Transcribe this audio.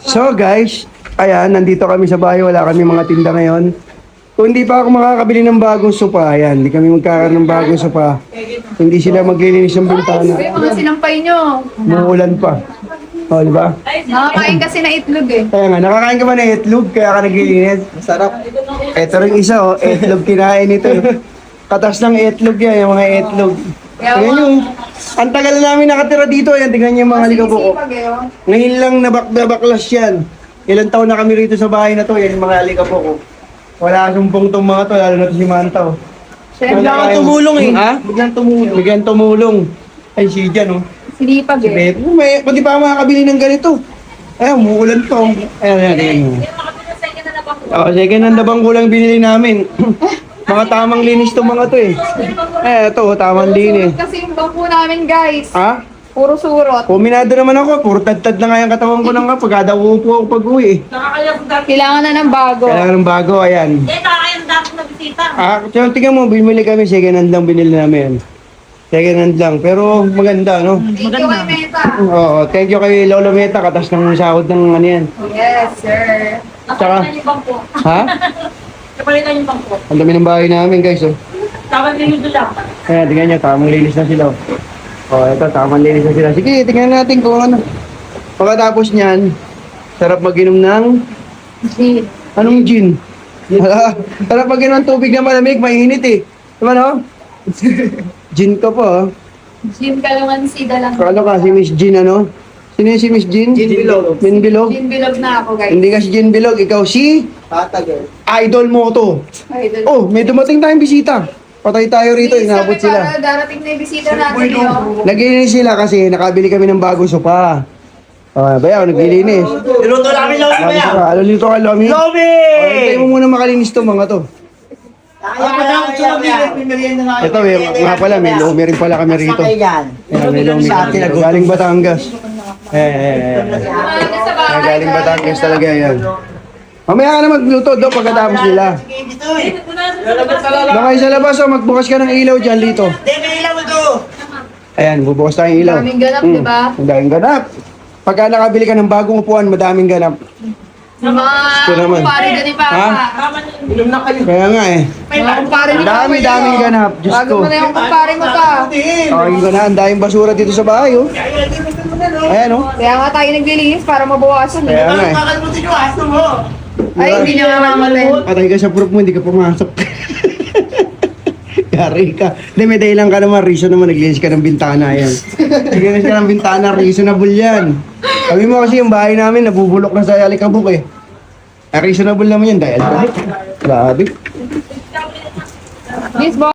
So guys, ayan, nandito kami sa bahay. Wala kami mga tinda ngayon. Kung hindi pa ako makakabili ng bagong sopa, ayan, hindi kami magkakaroon ng bagong sopa. Hindi sila maglilinis ng bintana. Uy, mga sinampay nyo. Muulan pa. O, di ba? Nakakain kasi na itlog eh. Kaya nga, nakakain ka ba ng itlog kaya ka naglilinis? Masarap. Ito rin isa, oh, itlog kinain ito. Katas ng itlog yan, yung mga itlog. Tingnan yung, ang tagal na namin nakatira dito, ayan, tingnan niyo yung mga likabok. Sipag eh, oh. Ngayon lang nabaklas yan. Ilang taon na kami rito sa bahay na to, yan yung mga likabok ko. Wala sumpong tong mga to, lalo na to si Manta. Oh. Biglang tumulong eh. Ha? Biglang tumulong. Bigyan tumulong. Ay, si Jan, oh. Sinipag Si eh. Beth, pati pa ako makakabili ng ganito. Ay, umuulan to. Ayan, ayan. Oo, second hand na bangko lang binili namin. Mga tamang linis to mga to eh. Eh, ito, tamang linis. Kasi yung bangko namin guys. Ha? Puro surot. Puminado naman ako, puro tad-tad na nga yung katawan ko nang kapag kada uupo ako pag-uwi eh. Kailangan na ng bago. Kailangan ng bago, ayan. Nakakayang dapat na bisita. So, tingnan mo, binili kami, second hand lang binili namin. Second hand lang, pero maganda, no? Thank you kay Meta. Oo, thank you kay Lolo Meta, katas ng sahod ng ano yan. Yes, sir. Tsaka, Napalitan yung bangko. ha? Napalitan yung bangko. Ang dami ng bahay namin, guys, oh. Tawag din yung lang. Ayan, tingnan nyo, tamang linis na sila, oh. Oh, ito, tamang linis na sila. Sige, tingnan natin kung ano. Pagkatapos niyan, sarap mag-inom ng, Gin. anong gin? Sarap mag-inom ng tubig na malamig, mainit eh. Diba, no? Gin ka po, oh. Gin Kalamansi lang. Ano ka, si Miss Jean, ano? Sino yung si Miss Jean? Gin Bilog. Min Bilog? Gin bilog na ako guys. Hindi ka si Jean Bilog, ikaw si Patagal. idol mo to. Idol. Oh, may dumating tayong bisita. Patay tayo rito, Please, inabot sabi sila. para darating na yung bisita natin yun. Naglilinis sila kasi nakabili kami ng bagong sopa. Oh, bayaw, naglilinis. Niluto namin lomi ba yan? Ano nito ka, Lomi? Lomi! Oh, hintayin mo muna makalinis to mga to. Ito, nga pala, may Lomi rin pala kami rito. Ayan, may Lomi. Galing Batangas. Ano sa bahay? Galing Batangas talaga yan. Mamaya ka na magluto do pagkatapos nila. Doon kayo sa labas, oh, magbukas ka ng ilaw dyan, Lito. Ayan, bubukas tayong ilaw. Daming ganap, di ba? Ang daming ganap. Pagka nakabili ka ng bagong upuan, madaming ganap. Yung mga Ito naman. kumpare dyan ni Papa. Ha? Kaya nga eh. Mga kumpare ni Papa. Daming ganap. Diyos Bago ko. mo na yung kumpare mo pa. Okay ko na, ang daming basura dito sa bahay, oh. Ayan, oh. Kaya nga tayo naglilinis para mabawasan. Kaya nga eh. Ay, hindi niya mamamatay. Patay ka sa proof mo, hindi ka pumasok. Yari ka. Hindi, may dahilan ka naman. Reason naman, naglinis ka ng bintana yan. Naglinis ka ng bintana, reasonable yan. Sabi mo kasi yung bahay namin, nabubulok na sa alikabok eh. Reasonable naman yan dahil. Grabe. Miss Bo.